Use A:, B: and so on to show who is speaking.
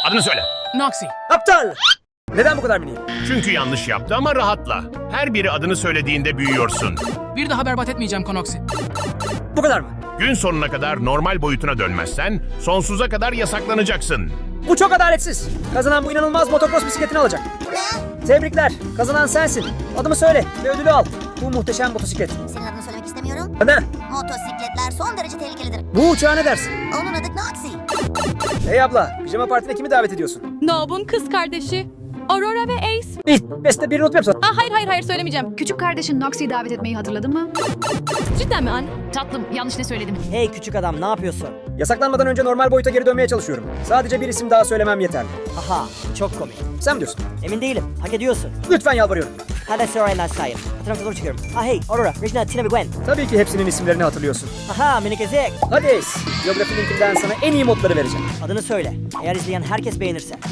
A: Adını söyle.
B: Noxy.
C: Aptal! Neden bu kadar miniyim?
A: Çünkü yanlış yaptı ama rahatla. Her biri adını söylediğinde büyüyorsun.
B: Bir daha berbat etmeyeceğim Konoxy.
C: Bu kadar mı?
A: Gün sonuna kadar normal boyutuna dönmezsen sonsuza kadar yasaklanacaksın.
C: Bu çok adaletsiz. Kazanan bu inanılmaz motocross bisikletini alacak. Tebrikler. Kazanan sensin. Adımı söyle ve ödülü al. Bu muhteşem motosiklet.
D: Senin adını söylemek istemiyorum.
C: Neden?
D: Motosikletler son derece tehlikelidir.
C: Bu uçağa ne dersin?
D: Onun adı Noxy.
C: Hey abla, pijama partine kimi davet ediyorsun?
E: Nob'un kız kardeşi. Aurora ve Ace.
C: Beste birini unutmayayım sana.
E: Hayır söylemeyeceğim.
F: Küçük kardeşin Noxie'yi davet etmeyi hatırladın mı?
E: Cidden mi anne?
F: Tatlım, yanlış ne söyledim?
G: Hey küçük adam, ne yapıyorsun?
C: Yasaklanmadan önce normal boyuta geri dönmeye çalışıyorum. Sadece bir isim daha söylemem yeterli.
G: Haha, çok komik.
C: Sen mi diyorsun?
G: Emin değilim, hak ediyorsun.
C: Lütfen yalvarıyorum.
G: Hadi sonra ben sayayım. Hatırlamda zor çıkıyorum. Hey, Aurora, Regina, Tina ve Gwen.
C: Tabii ki hepsinin isimlerini hatırlıyorsun.
G: Haha, minik ezik.
C: Hadi Ace, biyografi linkinden sana en iyi modları vereceğim.
G: Adını söyle. Eğer izleyen herkes beğenirse.